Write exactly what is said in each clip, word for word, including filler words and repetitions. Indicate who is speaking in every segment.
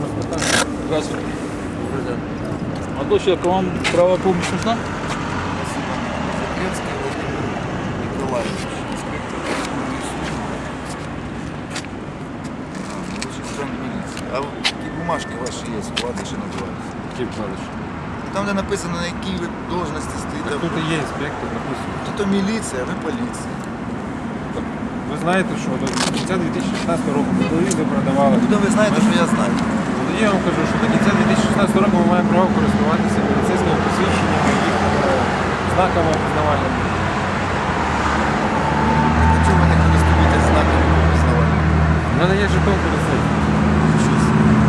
Speaker 1: спитаємо.
Speaker 2: Здравствуйте. А до человека вам правая помощь нужна?
Speaker 3: Заклецкий Владимир Николаевич, инспектор патрульной службы. Лучший сержант милиции. А вот какие бумажки ваши есть, вкладыши называются?
Speaker 1: Які вкладиші?
Speaker 3: Там, де написано, на якій ви должності стоїте.
Speaker 1: Тут і є інспектор, написано.
Speaker 3: Тут то міліція, а ви поліція.
Speaker 1: Ви знаєте, що до кінця дві тисячі шістнадцятого року телевізор продавали.
Speaker 3: Куди ви знаєте, що я знаю?
Speaker 1: Ну, я вам кажу, що до кінця дві тисячі шістнадцятого року ми маємо право користуватися поліцейськими посвідченнями, їх е, знаками опізнавальними.
Speaker 3: А чого ви не користуєтесь знаками пізнавання?
Speaker 1: У мене є жетон поліцейський.
Speaker 3: Щось.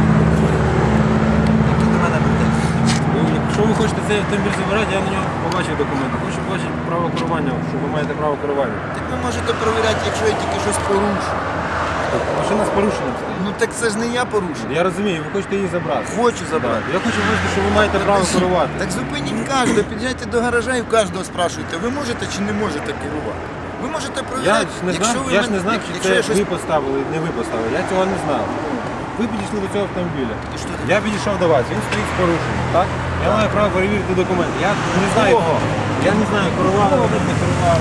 Speaker 3: Які до мене претензії?
Speaker 1: Ви, якщо ви хочете цей автомобіль забирати, я на нього побачив документи. Хочу побачити право керування, що ви маєте право керування.
Speaker 3: Так ви можете перевіряти, якщо я тільки щось порушу.
Speaker 1: Машина з порушенням стоїть.
Speaker 3: Ну так це ж не я порушив.
Speaker 1: Я розумію, ви хочете її забрати.
Speaker 3: Хочу забрати.
Speaker 1: Я хочу бачити, що ви маєте право керувати.
Speaker 3: Так зупиніть кожного, під'їжджайте до гаража і в кожного спрашуйте, ви можете чи не можете керувати? Ви можете
Speaker 1: Я
Speaker 3: провіряти,
Speaker 1: ж не
Speaker 3: якщо
Speaker 1: знав,
Speaker 3: ви
Speaker 1: я ж
Speaker 3: мене-
Speaker 1: не знав, чи
Speaker 3: якщо
Speaker 1: це
Speaker 3: я щось...
Speaker 1: ви поставили, не ви поставили. Я цього не знав. Ви підійшли до цього автомобіля.
Speaker 3: І що
Speaker 1: Я підійшов до вас, він стоїть з порушенням, так? Я маю право перевірити документи. Я не знаю,
Speaker 3: Кого?
Speaker 1: я не знаю, керували ви, не керували.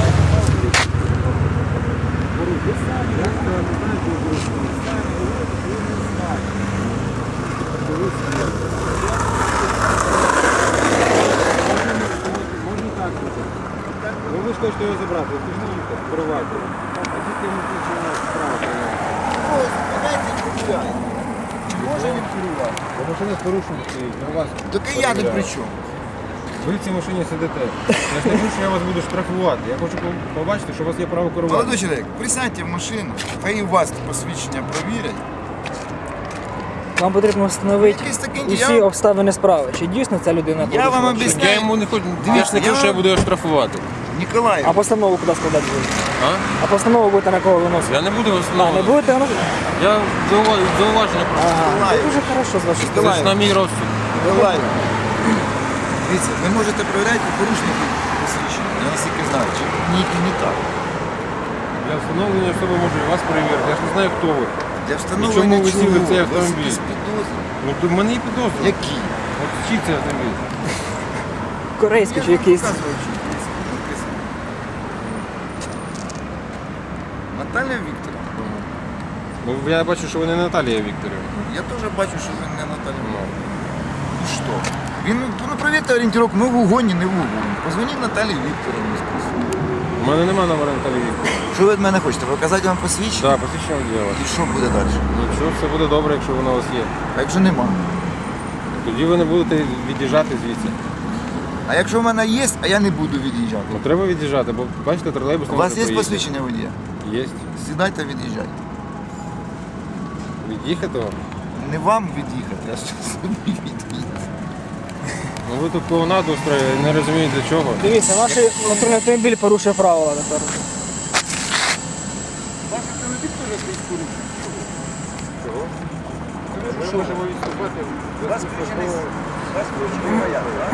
Speaker 1: Ви самі, я не знаю, що ви порушили. Самі говорите, що ви не знаєте. Можна і так зробити. Ну ви ж хочете його забрати, ви ж можете керувати. А тільки ми починаємо справу керувати.
Speaker 3: Ось, зупиняйте і перевіряйте. Чи може він керувати?
Speaker 1: Бо машина з порушенням стоїть, на вас.
Speaker 3: Так і я не при чому.
Speaker 1: Ви в цій машині сидите. Я ж не кажу, що я вас буду штрафувати. Я хочу по- побачити, що у вас є право керувати.
Speaker 3: Молодой чоловік, присядьте в машину, хай і у вас посвідчення провірять.
Speaker 4: Вам потрібно встановити
Speaker 3: Якийсь такий
Speaker 4: усі
Speaker 3: я-
Speaker 4: обставини справи. Чи дійсно ця людина
Speaker 3: Я вам
Speaker 4: порушила?
Speaker 3: об'ясняю.
Speaker 2: Я йому не хочу, я
Speaker 3: Дивіться,
Speaker 2: ж не кажу,
Speaker 3: я
Speaker 2: що я
Speaker 3: вам-
Speaker 2: буду його штрафувати.
Speaker 3: Ніколаєв,
Speaker 4: А постанову куди складати будете?
Speaker 2: А?
Speaker 4: А постанову будете на кого виносити?
Speaker 2: Я не буду
Speaker 4: А, не
Speaker 2: встановлювати.
Speaker 4: будете виносити?
Speaker 2: Я заува- зауваження просто.
Speaker 4: Ага,
Speaker 3: Миколаїв.
Speaker 4: це дуже хорошо з вашої
Speaker 2: Це
Speaker 4: сторони.
Speaker 2: ж на мій розсуд.
Speaker 3: Ніколаєв. Дивіться, ви можете перевіряти порушників посвідчення. Я наскільки знаю, чи ні і не так.
Speaker 1: Для встановлення особи можу і вас перевірити. Я ж не знаю, хто ви.
Speaker 3: Для
Speaker 1: чому
Speaker 3: встановлення
Speaker 1: ви сіли в цей
Speaker 3: чого? У вас
Speaker 1: автомобіль?
Speaker 3: якісь підозри?
Speaker 1: Ну, то в мене і підозри.
Speaker 3: Які?
Speaker 1: От чий це автомобіль?
Speaker 4: Корейський чи
Speaker 3: Я ж вам
Speaker 4: якийсь.
Speaker 3: показував, чи якийсь. Написано. Наталя Вікторівна.
Speaker 1: Ну, я бачу, що ви не Наталія Вікторівна.
Speaker 3: Я теж бачу, що ви не Наталя
Speaker 1: Ну.
Speaker 3: Вікторівна. Ну що? Він, ну, провірте орієнтировку, ми в угоні, не в угоні. Позвоніть Наталі Вікторівні. спросіть.
Speaker 1: У мене нема номера Наталії Вікторівни.
Speaker 3: Що ви від мене хочете? Показати вам посвідчення?
Speaker 1: Так, посвідчення діла.
Speaker 3: І що буде далі?
Speaker 1: Нічого, все буде добре, якщо воно у вас є.
Speaker 3: А якщо нема?
Speaker 1: Тоді ви не будете від'їжджати звідси.
Speaker 3: А якщо в мене є, а я не буду від'їжджати?
Speaker 1: Ну треба від'їжджати, бо бачите, тролейбус не
Speaker 3: У вас
Speaker 1: може
Speaker 3: є
Speaker 1: проїхати.
Speaker 3: посвідчення водія?
Speaker 1: Є.
Speaker 3: Сідайте, від'їжджайте.
Speaker 1: Від'їхати вам?
Speaker 3: Не вам від'їхати, а що собі від'їхати.
Speaker 1: Ну ви тут клоунаду устроїли, не розумієте для чого.
Speaker 4: Дивіться, ваш патрульний автомобіль порушує правила тепер.
Speaker 3: Ваш автомобіль теж стоїть порушення.
Speaker 1: Чого? Ми можемо відступати.
Speaker 3: Вас включений, вас включений маяк, так?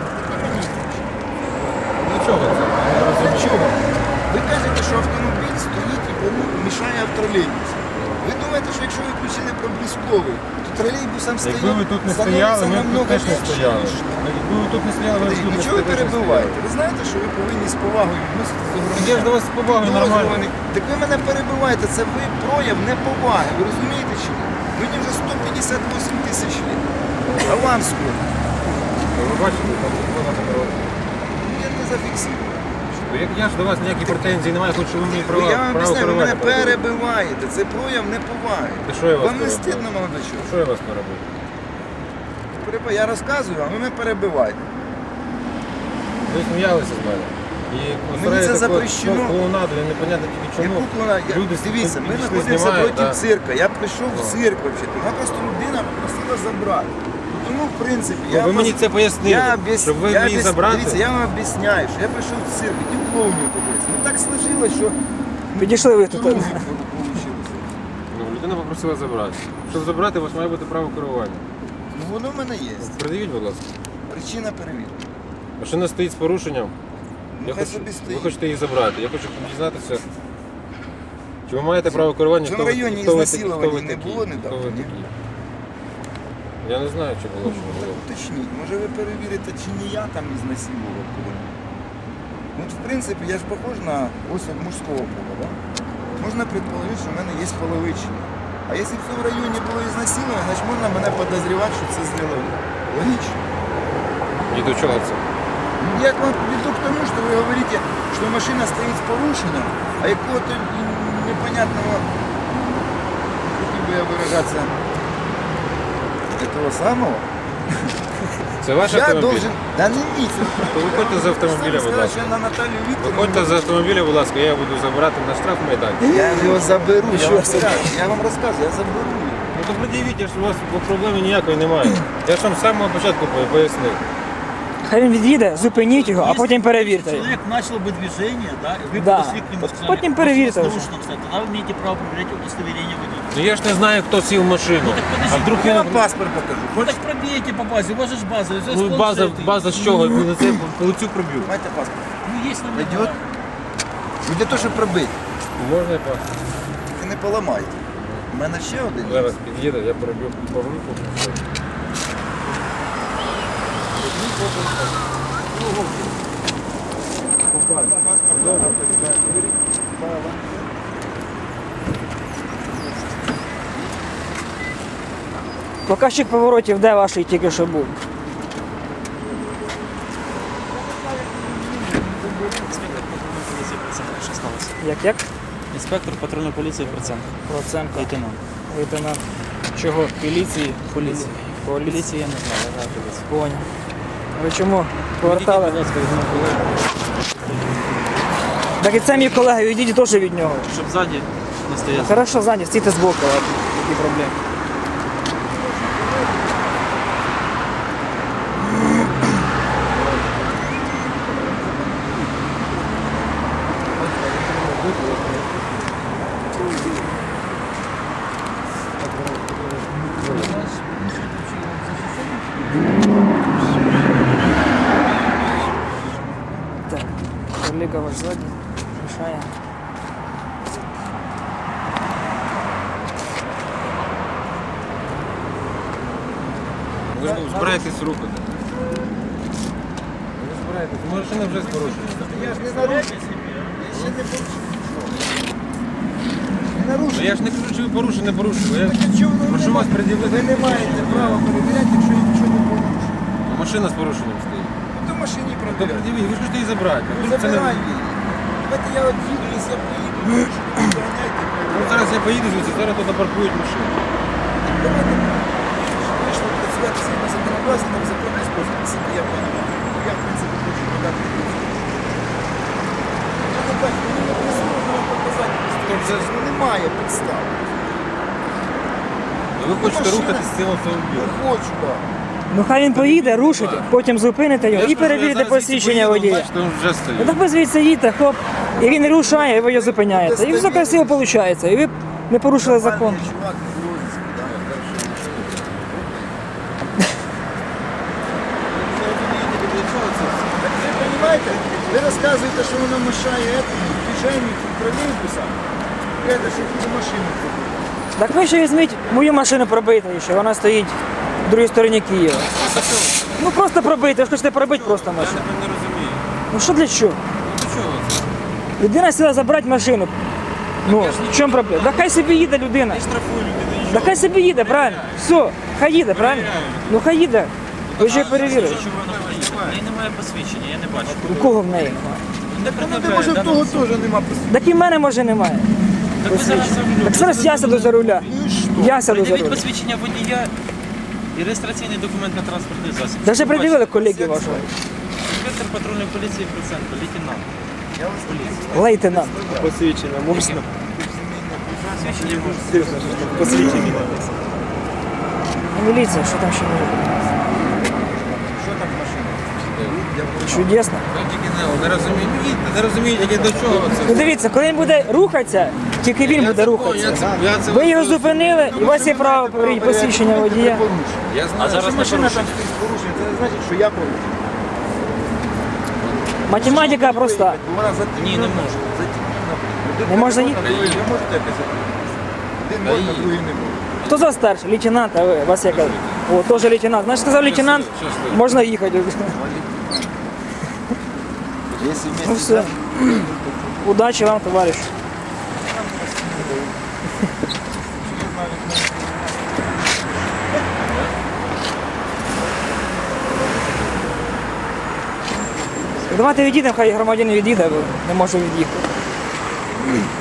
Speaker 1: Для чого це?
Speaker 3: Для чого? Ви кажете, що автомобіль стоїть і пору- мішає тролейбусу. Ви думаєте, що якщо ви включили проблисковий, то тролейбусам стоїть...
Speaker 1: Якби ви тут не стояли, ми б тут теж не стояли. Якби ви тут не стояли, ви б тут не
Speaker 3: Нічого ви
Speaker 1: теж не
Speaker 3: перебиваєте.
Speaker 1: стояли.
Speaker 3: Ви знаєте, що ви повинні з повагою відноситися до громадян.
Speaker 1: Я ж до вас з повагою нормально.
Speaker 3: Підозрюваний. Так ви мене перебиваєте, це ви прояв неповаги. Ви розумієте чи ні? Мені вже сто п'ятдесят вісім тисяч літ. А вам скільки?
Speaker 1: Ви бачите, там багато народу.
Speaker 3: Ну, я не зафіксую.
Speaker 1: Ну, як я ж до вас ніякі претензії немає, хоч що ви мені
Speaker 3: Ви-
Speaker 1: права,
Speaker 3: Я вам
Speaker 1: право
Speaker 3: об'ясняю, ви мене
Speaker 1: керувати.
Speaker 3: перебиваєте. Це прояв неповаги.
Speaker 1: Та що я вас
Speaker 3: Вам не
Speaker 1: перебив?
Speaker 3: стидно, молодий чоловік?
Speaker 1: Що я вас не робив?
Speaker 3: Перебив- Я розказую, а ви мене перебиваєте.
Speaker 1: Ви сміялися з мене. І
Speaker 3: Мені це запрещено.
Speaker 1: Клоунаду, я непонятно тільки чому.
Speaker 3: Яку клона- я-
Speaker 1: Люди
Speaker 3: Дивіться, ми
Speaker 1: підійшли,
Speaker 3: знаходимося
Speaker 1: знімають,
Speaker 3: проти
Speaker 1: да.
Speaker 3: цирка. Я прийшов в цирк взагалі. Мене просто людина попросила забрати. Тому, в принципі,
Speaker 1: Ну,
Speaker 3: я
Speaker 1: ви мені
Speaker 3: вас-
Speaker 1: це пояснили,
Speaker 3: я об'яс-
Speaker 1: щоб ви
Speaker 3: я
Speaker 1: мені
Speaker 3: об'яс-
Speaker 1: забрати.
Speaker 3: Дивіться, я вам об'ясняю, що я прийшов в цирк, хотів клоунів подивитися. Ну так сложилось, що
Speaker 4: Підійшли ви тут.
Speaker 3: друзі вийшло.
Speaker 1: Ну, людина попросила забрати. Щоб забрати, у вас має бути право керування.
Speaker 3: Ну воно в мене є.
Speaker 1: Придивіть, будь ласка.
Speaker 3: Причина перевірки.
Speaker 1: Машина стоїть з порушенням.
Speaker 3: Ну
Speaker 1: Я
Speaker 3: хай
Speaker 1: хочу,
Speaker 3: собі
Speaker 1: ви
Speaker 3: стоїть.
Speaker 1: хочете її забрати. Я хочу дізнатися, чи ви маєте право керування,
Speaker 3: В цьому
Speaker 1: хто ви-
Speaker 3: районі
Speaker 1: хто ви такі-
Speaker 3: ізнасилувань
Speaker 1: хто ви
Speaker 3: не
Speaker 1: такі,
Speaker 3: було
Speaker 1: хто
Speaker 3: недавно,
Speaker 1: ви
Speaker 3: ні?
Speaker 1: такі. Я не знаю, чи було, чи не було.
Speaker 3: Уточніть, може ви перевірите, чи не я там ізнасилував кого-нибудь. Ну, от, в принципі, я ж похож на особь мужського пола, да? Можна предположити, що в мене є половичення. А якщо в цьому районі було ізнасилування, значить можна мене підозрювати, що це зробили. Логічно.
Speaker 1: І до чого це?
Speaker 3: Я к вам веду к тому, что вы говорите, что машина стоит с порушенным, а какого-то непонятного, не хотел бы я выражаться, этого самого.
Speaker 1: Це ваш
Speaker 3: Я
Speaker 1: автомобіль?
Speaker 3: должен... Да не видите.
Speaker 1: То виходьте з автомобіля, будь ласка.
Speaker 3: Я на Наталью Викторовну.
Speaker 1: Виходьте з автомобіля, будь ласка, я буду забирати на штраф майдан.
Speaker 3: Я его заберу, я
Speaker 4: Що
Speaker 3: вам,
Speaker 4: це?
Speaker 3: скажу, я вам рассказываю, я заберу.
Speaker 1: Ну то пред'явіть, що у вас проблеми ніякої немає. Я ж вам з самого початку пояснив.
Speaker 4: Хай він від'їде, зупиніть його, а потім перевірте. його.
Speaker 2: Человек начал бы движение, да, и вы
Speaker 4: Да.
Speaker 2: подошли к нему,
Speaker 4: Вот
Speaker 2: сказали,
Speaker 4: потом
Speaker 2: «Вы
Speaker 4: проверите
Speaker 2: с
Speaker 4: уже».
Speaker 2: нарушенным стоят». Тогда вы имеете право проверять удостоверение водителя.
Speaker 1: Ну я ж не знаю, хто сів в машину.
Speaker 2: Ну, так подождіть,
Speaker 1: А вдруг
Speaker 3: Я
Speaker 1: він...
Speaker 3: вам паспорт покажу.
Speaker 2: Ну
Speaker 3: Хочешь?
Speaker 2: так пробейте по базе, у вас же ж база. у вас
Speaker 1: Ну база,
Speaker 2: планшеты.
Speaker 1: база з чого? Ви на це по лицю проб'ю.
Speaker 3: Майте паспорт.
Speaker 2: Ну есть номера.
Speaker 3: Пойдет? Ну для того, щоб пробити.
Speaker 1: Можна я пас?
Speaker 3: Ви не поламайте. У мене ще один. є.
Speaker 1: Зараз під'їде, я проб'ю по руку.
Speaker 4: Показчик поворотів, де ваш тільки що був? Як як?
Speaker 5: Інспектор патрульної поліції процент.
Speaker 4: Процентка.
Speaker 5: Лейтенант.
Speaker 4: Лейтенант. Чого? Поліції?
Speaker 5: Поліції.
Speaker 4: Поліції.
Speaker 5: Поліції я не знаю, я знаю поліцію.
Speaker 4: Поняв. Ви чому повертали? Так і це мій колега, відійдіть теж від нього.
Speaker 5: Щоб ззаді не стояти.
Speaker 4: Хорошо, ззаді, стійте збоку, ладно. Які проблеми. Так, колега ваш ззаді, мішає.
Speaker 1: Ви ж збираєтесь рухати. Ви збираєтесь. Машина вже з порушенням.
Speaker 3: Я ж не нарушив. Я ще не порушив. Не нарушив.
Speaker 1: Ну я ж не кажу, чи ви порушили, не порушили. Я
Speaker 3: Так а чого ви
Speaker 1: прошу
Speaker 3: не
Speaker 1: вас
Speaker 3: маєте?
Speaker 1: пред'явити.
Speaker 3: Ви не маєте права перевіряти, якщо я нічого не порушив.
Speaker 1: Машина з порушенням стоїть.
Speaker 3: Ну то в машині
Speaker 1: То
Speaker 3: перевіряти.
Speaker 1: пред'явіть, ви ж хочете її забрати.
Speaker 3: Ну,
Speaker 1: Вдруг це не...
Speaker 3: забирай її. Давайте я от їду, якщо я поїду, ну, що ви доганяйте,
Speaker 1: Ну,
Speaker 3: перевіряйте.
Speaker 1: зараз я поїду звідси, зараз тут напаркують машину.
Speaker 3: Давайте вийшло працювати всі на законодавстві, там законний спосіб, наскільки я розумію. Я, в принципі, хочу подати. Я не бачу, мені не присутно вам показати.
Speaker 1: Тобто це-
Speaker 3: Ну немає підстав.
Speaker 1: Ви хочете
Speaker 3: машина-
Speaker 1: рухатись з цим автомобілем.
Speaker 3: Не хочу, так.
Speaker 4: Ну хай він поїде, рушите, потім зупините його
Speaker 1: Я ж
Speaker 4: і
Speaker 1: кажу, я
Speaker 4: перевірите
Speaker 1: зараз звідси
Speaker 4: посвідчення
Speaker 1: поїду,
Speaker 4: водія.
Speaker 1: Бачите, він вже
Speaker 4: Ну
Speaker 1: стоїть.
Speaker 4: так ви звідси їдьте, хоп, і він не рушає, і ви його зупиняєте. І все красиво виходить. І ви не порушили закон.
Speaker 3: Нормальний чувак не в розіску, да. Так ви розумієте, ви розказуєте, що воно мешає этому, движенню тролейбуса, это, що буде машину пробити.
Speaker 4: Так ви ще візьміть мою машину пробити ще, вона стоїть в другій стороні Києва. Ну просто пробити, ви ж хочете пробити просто
Speaker 1: Я
Speaker 4: машину.
Speaker 1: не розумію.
Speaker 4: Ну що для чого?
Speaker 1: Ну чого це?
Speaker 4: Людина сіла забрати машину. Ну, в чому проблема? Да хай собі їде людина.
Speaker 1: Я штрафую людину,
Speaker 4: Да
Speaker 1: нічого.
Speaker 4: хай собі їде, правильно? Все, хай їде, правильно? Ну хай їде. Ви ще перевірили.
Speaker 5: Чого вона поїде? В неї немає посвідчення, я не бачу.
Speaker 4: У кого в неї немає?
Speaker 5: Не
Speaker 3: Ну,
Speaker 5: пред'являє,
Speaker 3: може,
Speaker 5: да,
Speaker 3: в того
Speaker 5: нам?
Speaker 3: теж нема посвідчення.
Speaker 4: Так і в мене може немає.
Speaker 5: Так ви зараз за рулем.
Speaker 4: Так зараз я сяду за руля.
Speaker 3: Ну і що?
Speaker 4: Я сяду за
Speaker 5: Пред'явіть
Speaker 4: руля.
Speaker 5: посвідчення водія і реєстраційний документ на транспортний засіб.
Speaker 4: Даже
Speaker 5: Щоб
Speaker 4: пред'явили
Speaker 5: бачити.
Speaker 4: колеги вашого.
Speaker 5: Інспектор патрульної поліції проценту, лейтенант.
Speaker 3: Я вас
Speaker 5: Поліції.
Speaker 4: Лейтенант.
Speaker 6: Посвідчення можна?
Speaker 5: Посвідчення можна.
Speaker 6: Посвідчення.
Speaker 4: Міліція, що там ще може бути?
Speaker 3: Що там в машині? Я порушив.
Speaker 4: Чудесно.
Speaker 1: Я тільки не, не розумію. Ну, їдьте, не розуміють, яке до чого це.
Speaker 4: Ну дивіться, коли він буде рухатися, тільки він буде рухатися.
Speaker 1: Я це, я це
Speaker 4: Ви його зупинили, і у вас є право перевірити посвідчення водія.
Speaker 1: Я
Speaker 5: А
Speaker 1: знаю,
Speaker 5: зараз
Speaker 3: Якщо
Speaker 5: не
Speaker 3: машина
Speaker 5: порушує.
Speaker 3: там стоїть з порушенням, це не значить, що я порушив.
Speaker 4: Математика проста.
Speaker 3: Вона затемнена.
Speaker 5: Ні, не можна.
Speaker 3: Затемнена.
Speaker 4: Не можна їхати?
Speaker 3: Ви можете якось затемнитися? Один можна, другий не може.
Speaker 4: Хто з вас старший? Лейтенант, а ви? Вас яка? О, теж лейтенант. Значить, сказав лейтенант,
Speaker 1: щасливо.
Speaker 4: можна їхати.
Speaker 3: Якщо
Speaker 4: Ну
Speaker 3: вместе
Speaker 4: все. Удачі вам, товариш. Давайте відійдемо, хай громадянин відійде, бо не може від'їхати.